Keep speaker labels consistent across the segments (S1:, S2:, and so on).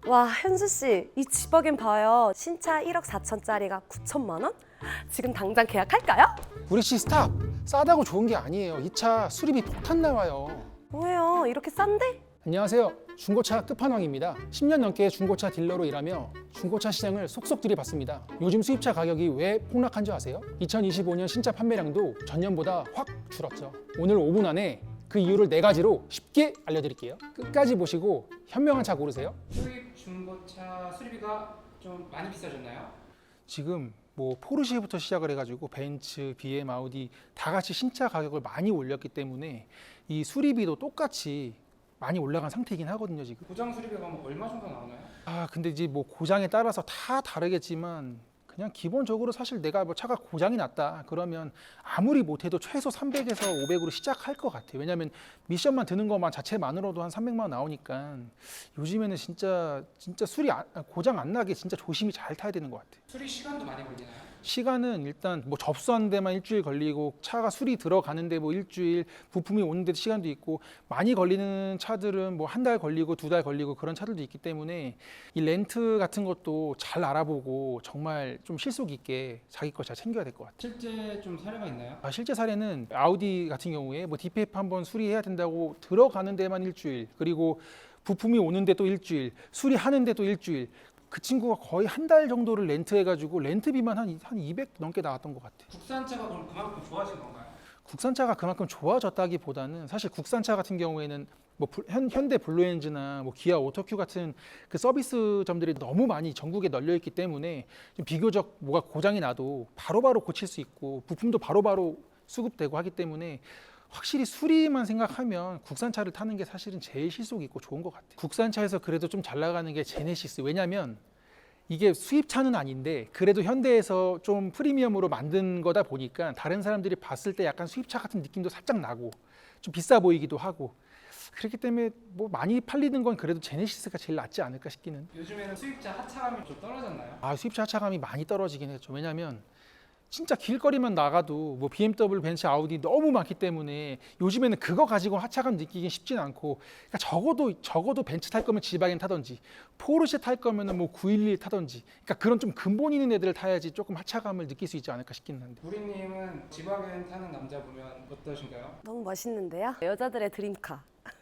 S1: 와, 현수 씨, 이 지버겐 봐요. 신차 1억 4천짜리가 9천만 원? 지금 당장 계약할까요?
S2: 우리 씨 스탑! 싸다고 좋은 게 아니에요. 이 차 수리비 폭탄 나와요.
S1: 뭐예요? 이렇게 싼데?
S2: 안녕하세요. 중고차 끝판왕입니다. 10년 넘게 중고차 딜러로 일하며 중고차 시장을 속속 들이봤습니다. 요즘 수입차 가격이 왜 폭락한 줄 아세요? 2025년 신차 판매량도 전년보다 확 줄었죠. 오늘 5분 안에 그 이유를 4가지로 쉽게 알려드릴게요. 끝까지 보시고 현명한 차 고르세요.
S3: 수입 중고차 수리비가 좀 많이 비싸졌나요?
S2: 지금 뭐 포르쉐부터 시작을 해가지고 벤츠, BM, 아우디 다 같이 신차 가격을 많이 올렸기 때문에 이 수리비도 똑같이 많이 올라간 상태이긴 하거든요 지금.
S3: 고장 수리비가 뭐 얼마 정도 나오나요?
S2: 근데 이제 뭐 고장에 따라서 다 다르겠지만 그냥 기본적으로 사실 내가 뭐 차가 고장이 났다 그러면 아무리 못해도 최소 300에서 500으로 시작할 것 같아요. 왜냐하면 미션만 드는 것만 자체만으로도 한 300만 원 나오니까 요즘에는 진짜 고장 안 나게 진짜 조심히 잘 타야 되는 것 같아요.
S3: 수리 시간도 많이 걸리나요?
S2: 시간은 일단 뭐 접수하는 데만 일주일 걸리고 차가 수리 들어가는데 뭐 일주일, 부품이 오는데 시간도 있고 많이 걸리는 차들은 뭐 한 달 걸리고 2달 걸리고 그런 차들도 있기 때문에 이 렌트 같은 것도 잘 알아보고 정말 좀 실속 있게 자기 거 잘 챙겨야 될 것 같아요.
S3: 실제 좀 사례가 있나요?
S2: 실제 사례는 아우디 같은 경우에 뭐 DPF 한번 수리해야 된다고 들어가는 데만 일주일, 그리고 부품이 오는데 또 일주일, 수리하는데 또 일주일. 그 친구가 거의 한 달 정도를 렌트해가지고 렌트비만 한 200 넘게 나왔던 것 같아요.
S3: 국산차가 그럼 그만큼 좋아진 건가요?
S2: 국산차가 그만큼 좋아졌다기보다는 사실 국산차 같은 경우에는 뭐 현대 블루엔즈나 뭐 기아 오토큐 같은 그 서비스점들이 너무 많이 전국에 널려 있기 때문에 좀 비교적 뭐가 고장이 나도 바로바로 고칠 수 있고 부품도 바로바로 수급되고 하기 때문에 확실히 수리만 생각하면 국산차를 타는 게 사실은 제일 실속 있고 좋은 것 같아요. 국산차에서 그래도 좀 잘 나가는 게 제네시스. 왜냐면 이게 수입차는 아닌데 그래도 현대에서 좀 프리미엄으로 만든 거다 보니까 다른 사람들이 봤을 때 약간 수입차 같은 느낌도 살짝 나고 좀 비싸 보이기도 하고 그렇기 때문에 뭐 많이 팔리는 건 그래도 제네시스가 제일 낫지 않을까 싶기는.
S3: 요즘에는 수입차 하차감이 좀 떨어졌나요?
S2: 수입차 하차감이 많이 떨어지긴 했죠. 왜냐면 진짜 길거리만 나가도 뭐 BMW, 벤츠, 아우디 너무 많기 때문에 요즘에는 그거 가지고 하차감 느끼긴 쉽진 않고, 그러니까 적어도 벤츠 탈 거면 지바겐 타든지 포르쉐 탈 거면은 뭐 911 타든지, 그러니까 그런 좀 근본 있는 애들을 타야지 조금 하차감을 느낄 수 있지 않을까 싶긴 한데.
S3: 우리님은 지바겐 타는 남자 보면 어떠신가요?
S1: 너무 멋있는데요? 여자들의 드림카.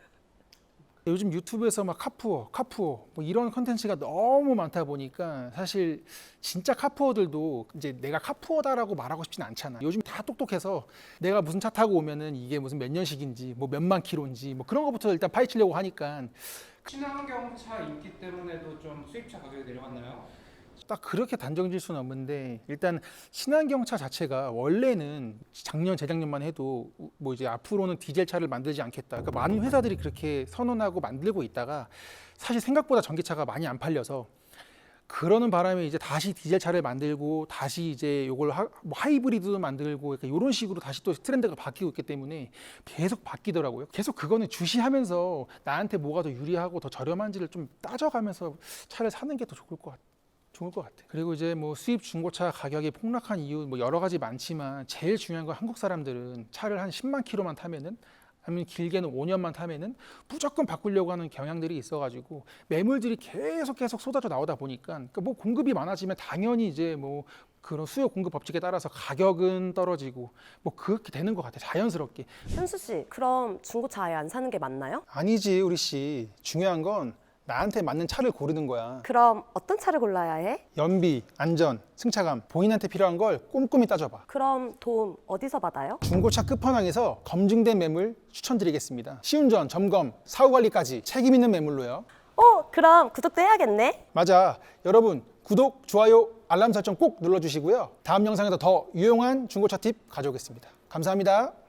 S2: 요즘 유튜브에서 막 카푸어 뭐 이런 컨텐츠가 너무 많다 보니까 사실 진짜 카푸어들도 이제 내가 카푸어다라고 말하고 싶진 않잖아. 요즘 다 똑똑해서 내가 무슨 차 타고 오면은 이게 무슨 몇 년식인지 뭐 몇만 킬로인지 뭐 그런 것부터 일단 파헤치려고 하니까
S3: 친환경차 인기 때문에도 좀 수입차 가격이 내려갔나요?
S2: 딱 그렇게 단정질 수는 없는데, 일단 친환경차 자체가 원래는 작년 재작년만 해도 뭐 이제 앞으로는 디젤차를 만들지 않겠다, 그러니까 많은 회사들이 그렇게 선언하고 만들고 있다가 사실 생각보다 전기차가 많이 안 팔려서 그러는 바람에 이제 다시 디젤차를 만들고 다시 이제 요걸 뭐 하이브리드도 만들고 그러니까 이런 식으로 다시 또 트렌드가 바뀌고 있기 때문에 계속 바뀌더라고요. 계속 그거는 주시하면서 나한테 뭐가 더 유리하고 더 저렴한지를 좀 따져가면서 차를 사는 게 더 좋을 것 같아요. 그리고 이제 뭐 수입 중고차 가격이 폭락한 이유 뭐 여러 가지 많지만 제일 중요한 건 한국 사람들은 차를 한 10만 킬로만 타면은, 아니면 길게는 5년만 타면은 무조건 바꾸려고 하는 경향들이 있어가지고 매물들이 계속 쏟아져 나오다 보니까, 그러니까 뭐 공급이 많아지면 당연히 이제 뭐 그런 수요 공급 법칙에 따라서 가격은 떨어지고 뭐 그렇게 되는 것 같아요, 자연스럽게.
S1: 현수 씨, 그럼 중고차 아예 안 사는 게 맞나요?
S2: 아니지 우리 씨, 중요한 건 나한테 맞는 차를 고르는 거야.
S1: 그럼 어떤 차를 골라야 해?
S2: 연비, 안전, 승차감, 본인한테 필요한 걸 꼼꼼히 따져봐.
S1: 그럼 도움 어디서 받아요?
S2: 중고차 끝판왕에서 검증된 매물 추천드리겠습니다. 시운전, 점검, 사후관리까지 책임 있는 매물로요.
S1: 그럼 구독도 해야겠네.
S2: 맞아. 여러분 구독, 좋아요, 알람 설정 꼭 눌러주시고요. 다음 영상에서 더 유용한 중고차 팁 가져오겠습니다. 감사합니다.